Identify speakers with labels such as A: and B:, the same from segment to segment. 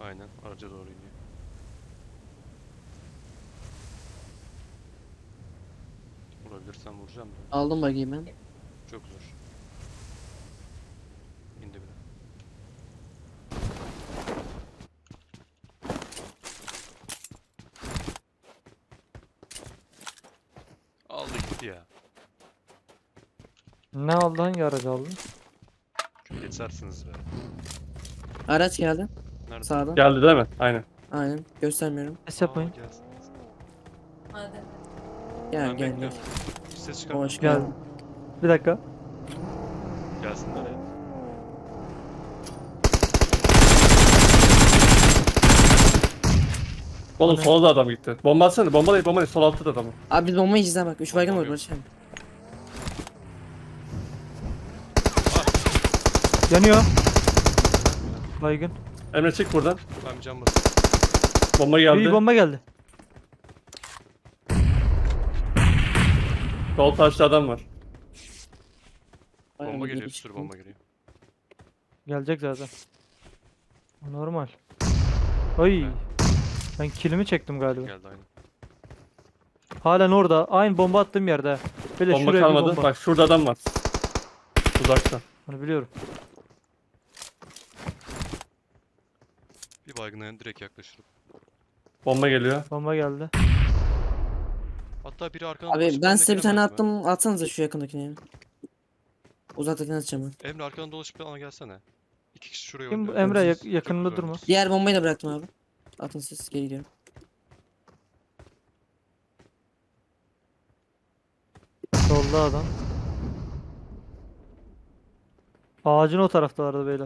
A: Aynen araca doğru iniyor. Vurabilirsem vuracağım da.
B: Aldım buggy'yi ben.
A: Çok zor. İndi bile. Aldı gitti ya.
C: Ne aldın? Hangi aracı aldın?
A: Çok geçersiniz be.
B: Araç geldi.
A: Nerede?
B: Sağdan.
D: Geldi değil mi? Aynen.
B: Aynen. Göstermiyorum.
C: Ses yapmayın.
A: Gelsin.
B: Gel
A: Ben
B: gel gel.
A: bekliyorum. Hiç ses çıkarmıyor.
B: Hoş
C: Gel.
B: geldin.
C: Bir dakika.
A: Gelsinler ya.
D: Oğlum
C: Hani-
D: sola da adam gitti. Bomba atsana. Bomba değil, bomba değil. Sol altta da adam.
B: Abi biz bombayı izle bak. 3 baygın
A: Bomba
B: var
A: yok.
B: Barış abi.
C: Yanıyor. Baygın.
D: Emre çık buradan.
A: Ben bir cam basayım.
D: Bomba geldi.
C: Bir bomba geldi.
D: Sol taşta adam var.
B: Aynen,
A: Bomba
B: geri
A: geliyor. Bir sürü
B: çıktım.
A: bomba geliyor.
C: Gelecek zaten. Normal. Ay. Ben kilimi çektim galiba.
A: Geldi aynen.
C: Halen orada. Aynı bomba attığım yerde. Böyle
D: Bomba
C: şuraya bir
D: kalmadı.
C: bomba.
D: Bak şurada adam var. Uzakta.
C: Onu biliyorum.
A: Bir baygına direkt yaklaşırım.
D: Bomba geliyor.
C: Bomba geldi.
A: Hatta biri arkadan
B: Abi
A: dolaşıp
B: ben size bir
A: bana
B: tane
A: gelmez mi?
B: attım. Atsanıza şu yakındakini. ya. Uzaktakini atacağım ben.
A: Emre arkadan dolaşıp bana gelsene. İki kişi şuraya
C: Kim bu?
A: oynuyor.
C: Emre
A: Çok
C: yakınında
A: güzel
C: durma.
A: oynuyorsun.
B: Diğer bombayı da bıraktım abi. Atın siz geri gidiyorum.
C: Solda adam. Ağacın o taraftalardı beyler.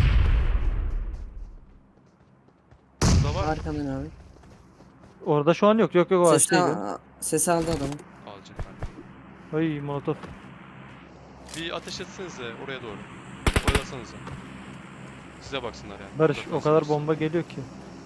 A: Burada var mı?
B: Arkamdan abi.
C: Orada şu an yok. Yok yok o
B: Sesi,
C: ağaçtaydı.
B: sesi aldı adamı.
A: Alacak ben.
C: Ay molotof.
A: Bir ateş etsenize oraya doğru. Oyalasanıza. Size baksınlar yani.
C: Barış
A: Uzaktan
C: o kadar
A: sıkıyorsun.
C: bomba geliyor ki.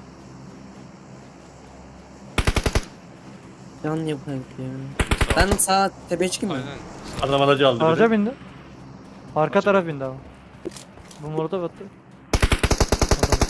B: Can yapayım ya.
A: Sağ
B: Ben
A: ol.
B: sağ tepeye çıkayım mı?
A: Aynen. Sağ ol.
D: Adam aracı aldı.
C: Araca
D: biri.
C: bindi. Arka
A: Araca
C: taraf bindi ama. Bu molotof attı. Adam.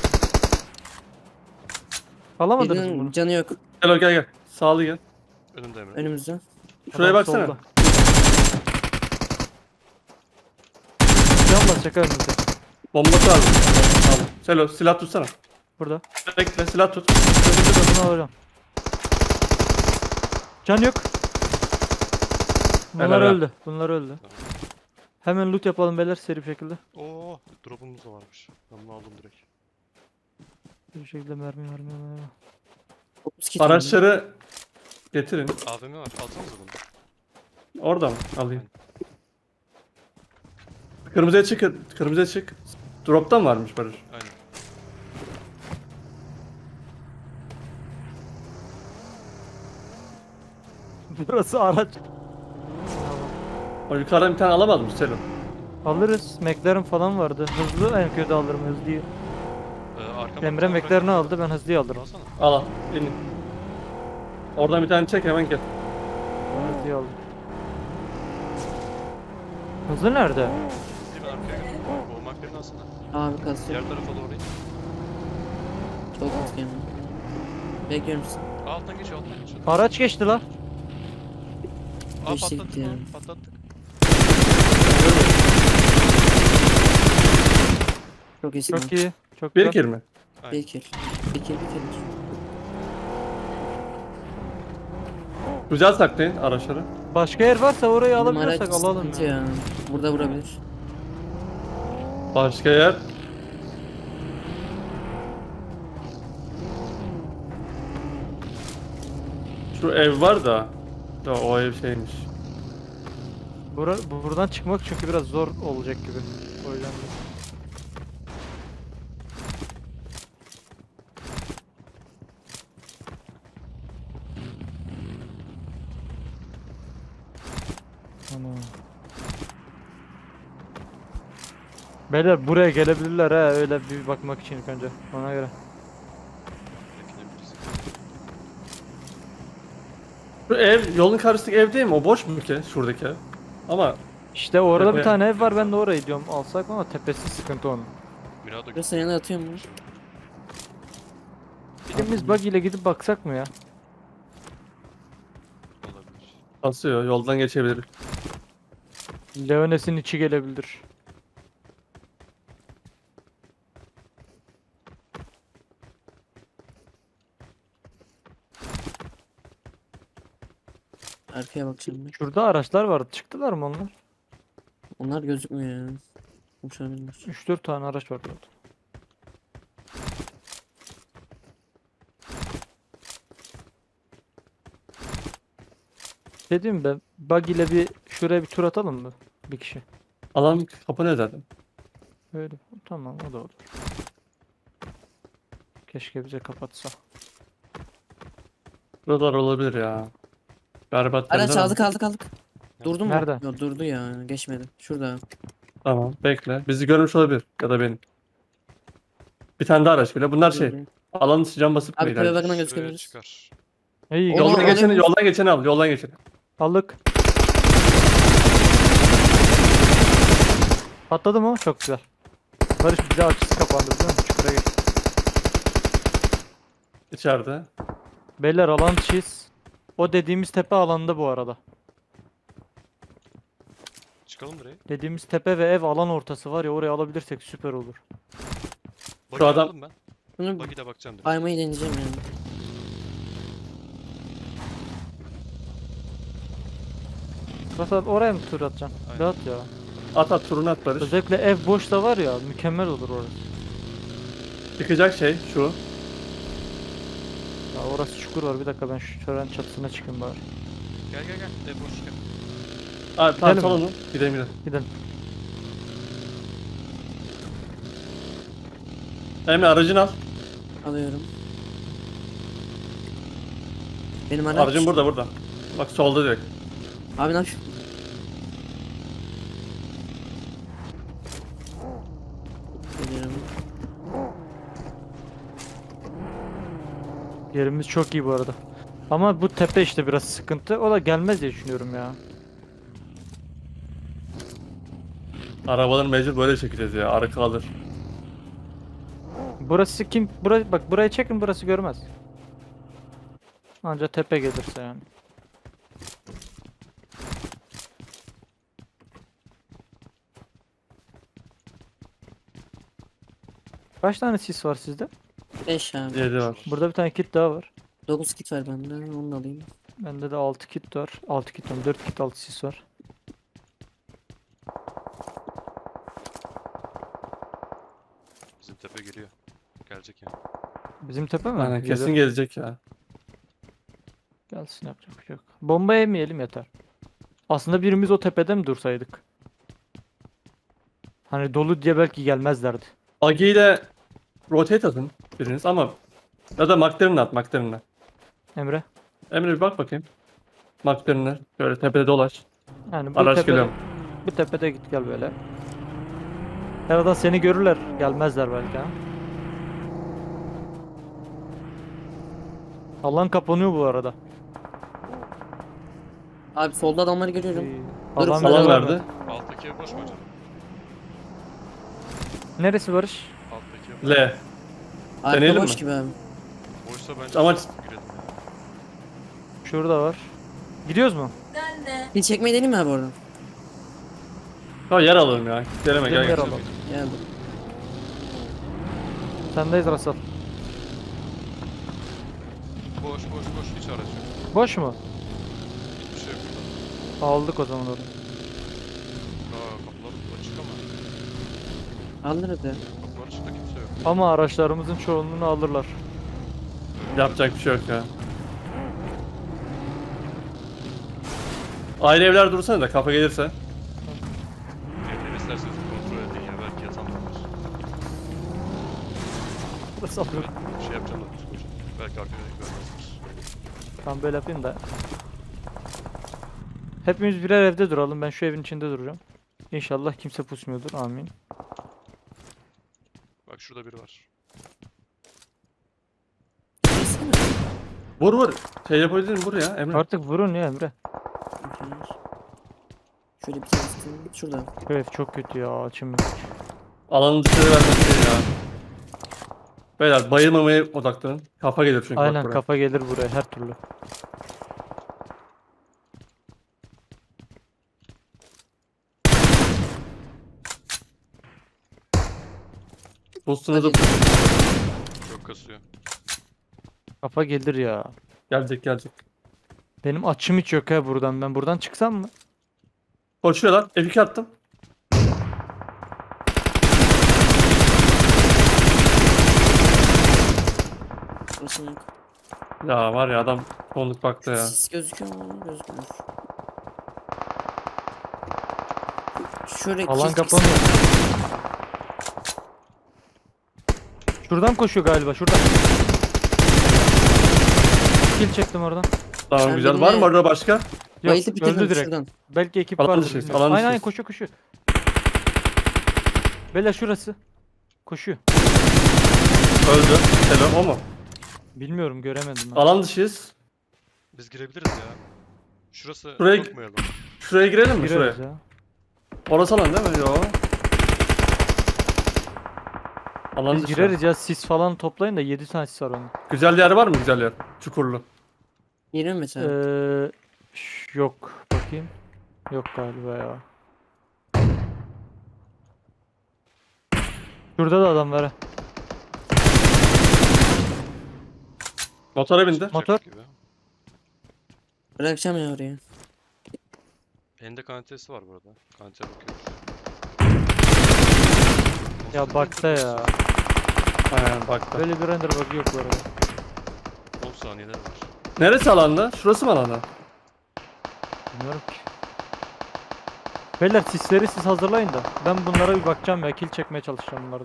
C: Alamadınız mı
B: Birinin
C: bunu?
B: canı yok.
D: Gel gel gel. Sağlı gel.
A: Önümde Emre.
B: Önümüzde.
D: Şuraya
C: Adam
D: baksana.
C: solda. Can basacak önümüzde.
D: Bombası var. Tamam. Selo silah tutsana.
C: Burada.
D: Bekle silah tut.
C: Önümüzde bunu alacağım. Can yok. Bunlar
D: Helal.
C: öldü. Bunlar öldü. Hemen loot yapalım beyler seri bir şekilde.
A: Oo, drop'umuz da varmış. Ben bunu aldım direkt.
C: Bir şekilde mermi.
B: 30 kit aldım.
D: Araçları getirin.
A: AVM var. Alsanıza bunu.
D: Orada mı? Alayım. Kırmızıya çık. Kırmızıya çık. Drop'tan varmış Barış.
A: Aynen.
C: Burası araç.
D: O yukarıdan bir tane alamadım Selo.
C: Alırız. McLaren falan vardı. Hızlı en kötü alırım hızlıyı.
A: Arkamda
C: Emre
A: bir tane
C: McLaren'ı
A: bırak-
C: aldı ben hızlıyı alırım.
A: Alsana.
D: Al al. İn. Oradan bir tane çek hemen gel.
C: Ben hızlıyı aldım. Hızlı nerede?
A: Hızlı ben arkaya gel. Olmak birini alsana.
B: Abi kasıyor.
A: Diğer tarafa doğru in.
B: Çok kötü geldi. Bekliyorum sizi.
A: Alttan geç, alttan geç.
C: Araç geçti la.
A: Aa
B: Geçti
A: patlattık
B: gitti
A: onu.
B: yani.
A: Patlattık.
B: Çok iyisin.
C: Çok iyi. Çok
D: Bir
C: güzel.
D: kill mi?
A: Aynen.
B: Bir kill. Bir kill.
D: Güzel saklayın araçları.
C: Başka yer varsa orayı
B: Bizim
C: alabiliyorsak
B: araç
C: alalım
B: sıkıntı
C: ya.
B: ya. Burada vurabilir.
D: Başka yer. Şu ev var da. Ya o ev şeymiş.
C: Buradan çıkmak çünkü biraz zor olacak gibi. O yüzden de. Ana. Beyler buraya gelebilirler ha öyle bir bakmak için ilk önce ona göre.
A: Bekleyebiliriz.
D: Şu ev yolun karşısındaki ev değil mi? O boş mu ki şuradaki ev? Ama
C: İşte orada bir
D: Tepe.
C: tane ev var ben de orayı diyorum alsak ama tepesi sıkıntı onun.
A: Mirado
B: Burası yanına atıyor mu?
C: Birimiz bug ile gidip baksak mı ya?
A: Olabilir.
D: Basıyor. Yoldan geçebilir.
C: Leones'in içi gelebilir.
B: Arkaya bakacağım ben.
C: Şurada araçlar vardı. Çıktılar mı onlar?
B: Onlar gözükmüyor ya. Konuşabilirler.
C: 3-4 tane araç vardı orada. Dedim ben bug ile bir şuraya bir tur atalım mı? Bir kişi.
D: Alan kapanıyor zaten.
C: Öyle. Tamam o da olur. Keşke bize kapatsa.
D: Buralar olabilir ya. Berbat
B: Araç
D: yerler ama.
B: aldık. Durdu mu?
C: Nerede?
B: Yok durdu ya. Geçmedi. Şurada.
D: Tamam bekle. Bizi görmüş olabilir. Ya da benim. Bir tane daha araç bile. Bunlar şey.
B: Durdu.
D: Alanın dışı cam basıp
B: Abi
D: mı
B: tepe
D: ilerliyor?
B: bakına
A: Şuraya
B: gözükebiliriz.
A: çıkar.
C: İyi
B: Oğlum,
C: yolda
D: Yoldan
B: Yoldan
D: geçeni,
B: geçeni-
D: yoldan geçeni al. Yoldan geçeni.
C: aldık. Patladı mı? Çok güzel. Barış bize açısı kapandı biliyor musun? Çukura geç.
D: İçeride.
C: Beyler alan çiz. O dediğimiz tepe alanda bu arada.
A: Çıkalım buraya.
C: Dediğimiz tepe ve ev alan ortası var ya oraya alabilirsek süper olur.
A: Buggy
D: adam-
A: aldım ben.
B: Bunu
A: Buggy'de bakacağım direkt.
B: aymayı deneyeceğim yani.
C: Mesela oraya mı tur atacaksın?
A: Aynen.
C: Rahat ya.
D: At turunu at Barış.
C: Özellikle ev boşta var ya mükemmel olur orası.
D: Çıkacak şey şu.
C: Ya orası çukur var bir dakika ben şu tören çatısına çıkayım bari.
A: Gel gel gel. Boş gel.
D: Aa, tamam
C: Gidelim
D: sal
C: mi?
D: onu. Gidelim.
C: Gidelim.
D: Emre aracını al.
B: Alıyorum. Benim araç.
D: Aracın burada. Bak solda direkt.
B: Abi ne yapıyorsun? Geliyorum.
C: Yerimiz çok iyi bu arada. Ama bu tepe işte biraz sıkıntı. O da gelmez diye düşünüyorum ya.
D: Arabaları mecbur böyle çekeceğiz ya. Arka alır.
C: Burası kim? Bak burayı çekin burası görmez. Anca tepe gelirse yani. Kaç tane sis var sizde?
B: 5 abi.
D: 7 var.
C: Burada bir tane kit daha var.
B: 9 kit var bende. Onu da alayım.
C: Bende de 6 kit var. 6 kit var. 4 kit 6 sis var.
A: Bizim tepe geliyor. Gelecek yani.
C: Bizim tepe mi?
D: Aynen kesin
C: Geliyor.
D: gelecek ya.
C: Gelsin yapacak bir şey yok. Bomba yemeyelim yeter. Aslında birimiz o tepede mi dursaydık? Hani dolu diye belki gelmezlerdi.
D: Buggy ile rotate atın biriniz ama ya da McLaren'e at McLaren'e.
C: Emre.
D: Emre bir bak bakayım. McLaren'e şöyle tepede dolaş.
C: Yani bu
D: Araç
C: tepede,
D: geliyor.
C: bu tepede git gel böyle. Herhalde seni görürler. Gelmezler belki ha. Alan kapanıyor bu arada.
B: Abi solda adamları görüyorum. Dur,
C: Alan
B: falan
C: bize
D: Alan
C: vermedi.
D: verdi.
A: Alttaki ev boş mu acaba?
C: Neresi Barış?
A: Alttaki ev.
D: L.
B: Arka
D: Deneyelim
B: boş
D: mi?
B: gibi abi.
A: Boşsa bence
D: Ama-
A: girelim ya.
C: Şurada var. Gidiyoruz mu?
B: Bir çekmeyi deneyim mi abi oradan?
D: Ha yer alalım ya. Geleme
C: Gidelim
D: gel
C: yer
D: gel.
C: alalım.
B: Geldim.
C: Sendeyiz Rasal.
A: Boş hiç araç yok.
C: Boş mu?
A: Hiçbir şey yok burada.
C: Aldık o zaman orayı.
A: Kapılar açık ama.
B: Alır hadi.
A: Kapılar açık da kimse yok.
C: Ama araçlarımızın çoğunluğunu alırlar.
D: Yapacak bir şey yok ya. Aile evler dursana da kafa gelirse.
A: Evleri isterseniz kontrol edin ya. Belki yatan da var.
C: Rasal.
A: Evet, şey yapacağım da psikolojik. Belki arkada görmezler.
C: Tam böyle yapayım da. Hepimiz birer evde duralım. Ben şu evin içinde duracağım. İnşallah kimse pusmuyordur. Amin.
A: Bak şurada biri var.
B: Neyse mi?
D: Vur. Şey yapabilirim vur ya Emre.
C: Artık vurun ya Emre.
B: Şöyle bir tanesi şurada.
C: Bu ev çok kötü ya. Çim.
D: Alanın dışarı vermek değil ya. Beyler bayılmamaya odaklanın. Kafa gelir çünkü bak
C: Aynen
D: buraya.
C: kafa gelir buraya her türlü.
D: Boost'unuzu
A: Çok kasıyor.
C: Kafa gelir ya.
D: gelecek.
C: Benim açım hiç yok ha buradan. Ben buradan çıksam mı?
D: Koşuyorlar. F2 attım.
B: Burası yok.
D: Ya var ya adam sonluk baktı ya.
B: Sis gözüküyor mu? Gözükmüyor. Şuraya
C: Alan
B: kill
C: kapanıyor.
B: çeksin.
C: Şuradan koşuyor galiba şuradan. Kill çektim oradan.
D: Tamam
B: Sen
D: güzel.
B: birine-
D: Var mı orada başka?
C: Yok
B: Bayıldı bitirdim
C: öldü direkt.
B: şuradan.
C: Belki ekip
D: Alan
C: vardır.
D: dışıyız,
C: bilmiyorum.
D: alan
C: Aynen aynen
D: dışıyız.
C: koşuyor. Beyler şurası. Koşuyor.
D: Öldü. Selam o mu?
C: Bilmiyorum göremedim ben.
D: Alan dışıyız.
A: Biz girebiliriz ya. Şurası
D: Buraya-
A: sokmayalım.
D: Şuraya girelim mi
C: Gireriz
D: şuraya?
C: ya.
D: Orası alan değil mi? Yo. Alan
C: Biz
D: dışı.
C: gireriz ya sis falan toplayın da 7 tane sis var onun.
D: Güzel yer var mı güzel yer? Çukurlu.
B: Yeni mi mesela?
C: Yok bakayım. Yok galiba ya. Şurada da adam var ha.
D: Motora bindi.
A: Çıkacak
C: Motor.
A: Gibi.
B: Bırakacağım ya oraya.
A: Elinde kantesi var bu arada. Kante bakıyor.
C: Ya
A: Nasıl
C: bakta
A: bir
C: ya.
D: Aynen bak da.
C: Böyle bir render bug yok bu arada.
A: 10 saniyeler var.
D: Neresi alanda? Şurası mı alanda?
C: Bilmiyorum ki. Beyler sisleri siz hazırlayın da. Ben bunlara bir bakacağım ya. Kill çekmeye çalışacağım bunlardan.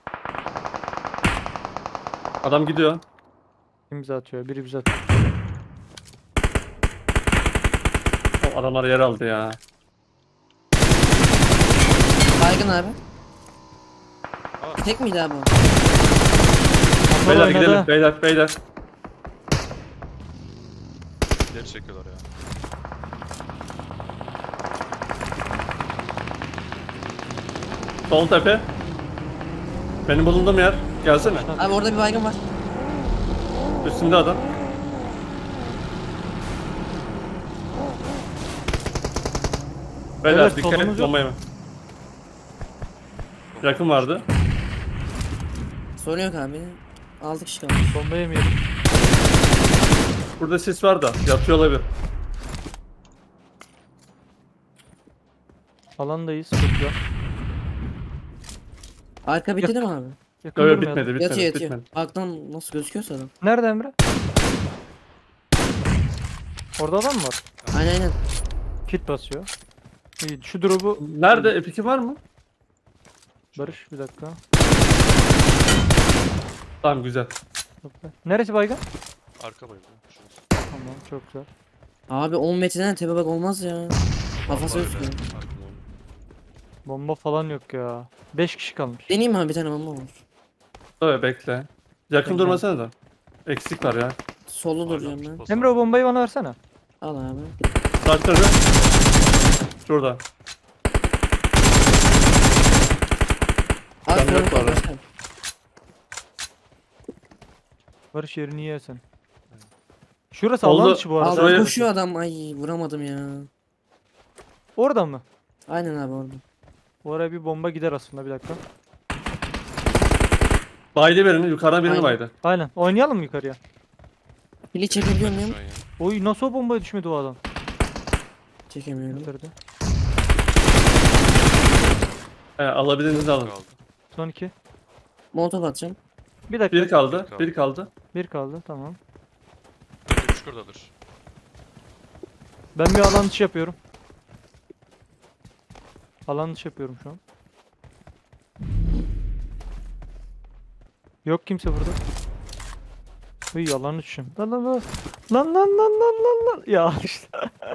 D: Adam gidiyor.
C: Kim bize atıyor? Biri bize atıyor.
D: O adamlar yer aldı ya.
B: Baygın abi.
A: Aa.
B: Tek miydi abi o?
C: Motor
D: Beyler
C: oynadı.
D: gidelim. Beyler.
A: İleri çekiyorlar ya.
D: Sol tepe. Benim bulunduğum yer. Gelsene.
B: Abi orada bir baygın var.
D: Üstümde adam. Beyler
C: Evet,
D: dikkat
C: solumuz
D: et
C: yok.
D: bombaya mı? Yakın vardı.
B: Sorun yok abi. 6 kişi kalmış.
C: Bomba yemeyelim.
D: Burada sis var da yatıyor olabilir.
C: Alandayız. Çok güzel.
B: Arka bitti değil mi abi?
C: Yakın
D: Yok
C: durmayalım.
D: bitmedi
B: Yatıyor yatıyor.
D: bitmedi.
B: Alttan nasıl gözüküyorsa adam.
C: Nerede Emre? Orada adam mı var?
B: Aynen.
C: Kit basıyor. İyi. Şu drop'u
D: Nerede? Epic'i var mı?
C: Barış bir dakika.
D: Tamam güzel.
C: Topla. Neresi baygın?
A: Arka bayılıyor. Şurası.
C: Tamam çok güzel.
B: Abi 10 metreden tepe bak olmaz ya. Kafası
A: Var öyle.
B: gözüküyor.
A: Arkamda onu.
C: Bomba falan yok ya. 5 kişi kalmış.
B: Deneyeyim mi abi bir tane bomba var.
D: Evet bekle. Yakın
C: Bekle.
D: durmasana da. Eksik var ya.
B: Solda duracağım
A: Hala
B: ben.
A: bas-
C: Emre o bombayı bana versene.
B: Al abi.
D: Taşları. Şurada.
B: Abi
D: Ben yok
B: kırmızı
D: abi.
B: başka.
C: Barış yerini yersen. Şurası
D: Oldu.
C: alan dışı bu arada.
B: Abi
D: Şuraya-
B: koşuyor adam. Ay vuramadım ya.
C: Orada mı?
B: Aynen abi orada.
C: Oraya bir bomba gider aslında bir dakika.
D: Baydı birini. Yukarıdan birini
B: Aynen.
D: baydı.
C: Aynen. Oynayalım mı yukarıya?
B: Pili çekebiliyor muyum?
A: Şu an ya.
C: Oy nasıl o bombaya düşmedi o adam?
B: Çekemiyorum.
C: Bitirdi.
D: Alabildiğinizi alın.
A: Kaldı.
C: Son 2.
B: Molotov atacağım.
C: Bir dakika.
D: Bir kaldı.
A: kaldı.
D: Bir kaldı.
C: Bir kaldı tamam.
A: Bence çukurdadır.
C: Ben bir alan dışı yapıyorum. Alan dışı yapıyorum şu an. Yok kimse burada. Uy alan dışı. Lan lan lan. Lan lan lan lan lan lan. Ya işte.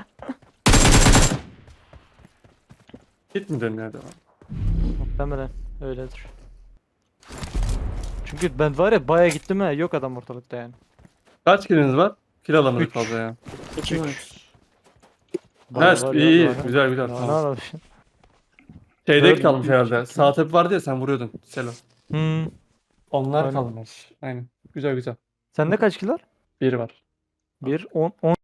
D: Git mi dönüyor devam?
C: Muhtemelen öyledir. Çünkü ben var ya baya gittim ha. Yok adam ortalıkta yani.
D: Kaç kiliniz var? Kil alamadık
C: Üç.
D: fazla ya.
B: 2 var.
D: Evet
C: Var,
D: iyi iyi.
C: var.
D: Güzel güzel.
C: Ne
D: Tamam.
C: yapmışsın?
D: Şeyde
C: Dört,
D: kalmış
C: üç,
D: herhalde.
C: iki.
D: Sağ tepe vardı ya sen vuruyordun. Selo.
C: Hmm.
D: Onlar
C: Aynen.
D: kalmış. Aynen. Güzel güzel.
C: Sende kaç kill var?
D: Biri var.
C: 1, 10,